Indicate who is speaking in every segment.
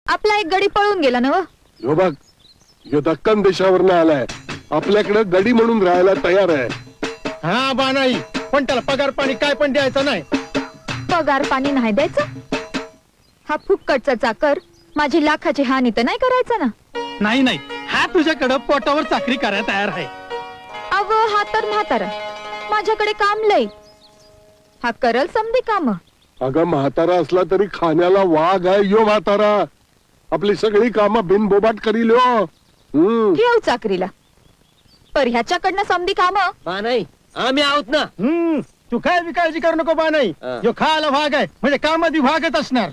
Speaker 1: आपला एक गडी पळून गेला ना.
Speaker 2: ह्यो बघ, ह्यो दक्कन देशावरनं आलाय, आपल्याकडे गडी म्हणून राहायला तयार आहे.
Speaker 3: हा बा नाही, पण त्याला पगार पाणी काय पण द्यायचं नाही.
Speaker 1: पगार पाणी नाही द्यायचं. हा फुक्कटचा चाकर माझी लाखाची हानी तर नाही करायचा ना.
Speaker 3: नाही नाही, हा तुझ्याकडं पोटावर चाकरी करायला तयार आहे.
Speaker 1: अव हा तर म्हातारा, माझ्याकडे काम लय. हा करल समधी काम.
Speaker 2: अगं म्हातारा असला तरी खाण्याला वाघ आहे ह्यो म्हातारा. आपली सगळी कामं बिनबोबाट करील ह्यो.
Speaker 1: ठेव चाकरीला. पर ह्याच्याकडनं समधी काम.
Speaker 4: बा नाही, आम्ही आहोत ना.
Speaker 3: तू काय बी काळजी करू नको बा नाही. जो खायला भाग आहे म्हणजे कामात भागच असणार.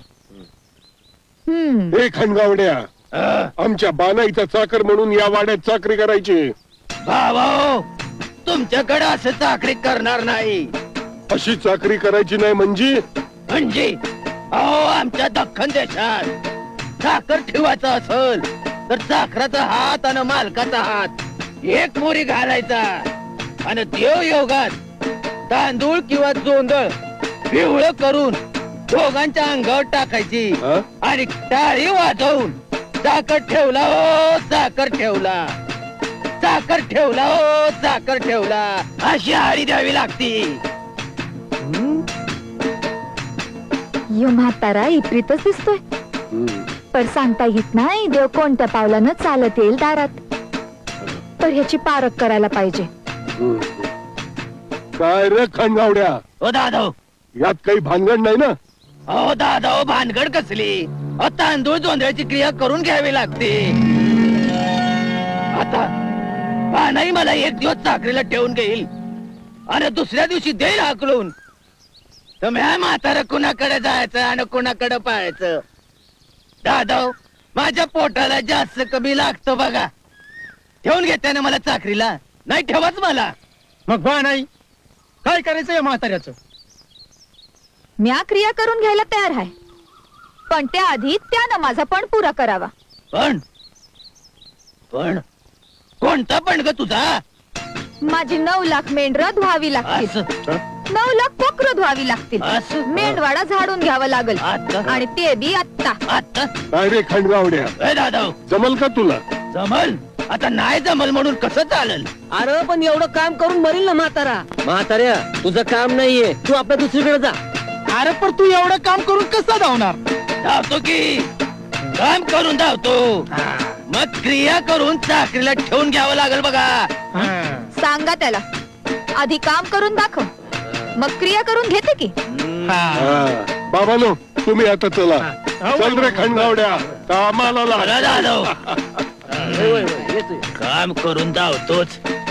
Speaker 2: हे खंडगावड्या, आमच्या बानाईचा चाकर म्हणून या वाड्यात चाकरी करायची.
Speaker 4: भाऊ, तुमच्याकडे असं चाकरी करणार नाही.
Speaker 2: अशी चाकरी करायची नाही म्हणजे
Speaker 4: अहो, आमच्या दख्खन देशात चाकर ठेवायचा असल तर चाकराचा हात आणि मालकाचा हात एक मोरी घालायचा आणि देव योगात तांदूळ किंवा जोंधळ पिवळं करून दोघांच्या अंगावर टाकायची आणि टाळी वाजवून चाकर ठेवला हो चाकर ठेवला, चाकर ठेवला हो चाकर ठेवला अशी हाडी द्यावी लागती.
Speaker 1: यो म्हातारा इप्रीतच दिसतोय. पर सांगता येत नाही देव कोणत्या पावलानं चालत येईल दारात. तर ह्याची पारख करायला पाहिजे.
Speaker 2: काय रे खंडगावड्या,
Speaker 4: ओ दादा,
Speaker 2: यात काही भानगड नाही ना?
Speaker 4: अहो दादा, भानगड कसली? तांदूळ जोंधळ्याची क्रिया करून घ्यावी लागते. आता पानाई मला एक दिवस चाकरीला ठेवून घेईल आणि दुसऱ्या दिवशी देईल हाकलून. तर म्हातारा कुणाकडे जायचं आणि कुणाकडे पाहायचं? दादा, माझ्या पोटाला जास्त कमी लागतं बघा. ठेवून घेते ना मला चाकरीला, नाही ठेवाच मला.
Speaker 3: मग बा नाही, काय करायचं या म्हाताऱ्याचं?
Speaker 1: म्या क्रिया करून घ्यायला तयार आहे, पण त्याआधी त्यानं माझा पण पुरा करावा.
Speaker 4: पण कोणता पण ग तुझा?
Speaker 1: माझी 9 लाख मेंढरं धुवावी लागतील.
Speaker 4: असं
Speaker 1: 9 लाख कोकरं धुवावी लागतील.
Speaker 4: असं?
Speaker 1: मेंढवाडा झाडून घ्यावा लागल
Speaker 4: आता?
Speaker 1: आणि ते बी आत्ता.
Speaker 4: आता
Speaker 2: काय रे खंडगावड्या,
Speaker 4: ए दादा,
Speaker 2: जमल का तुला?
Speaker 4: जमल? आता नाही जमल म्हणून कसं चालल?
Speaker 5: अरे पण एवढं काम करून मरील ना म्हातारा. म्हाताऱ्या, तुझं काम नाहीये, तू आपल्या दुसरीकडे जा.
Speaker 3: अरे पण तू एवढं काम करून कसं धावणार?
Speaker 4: धावतो की, काम करून धावतो. मग क्रिया करून चाकरीला ठेवून घ्यावं लागल बघा.
Speaker 1: सांगा त्याला आधी काम करून दाखव, मग क्रिया करून घेते की.
Speaker 2: बाबानो, तुम्ही आता चला. चल रे खंडगावड्या, कामाला लाग.
Speaker 4: मला झालं. काम करून धावतोच.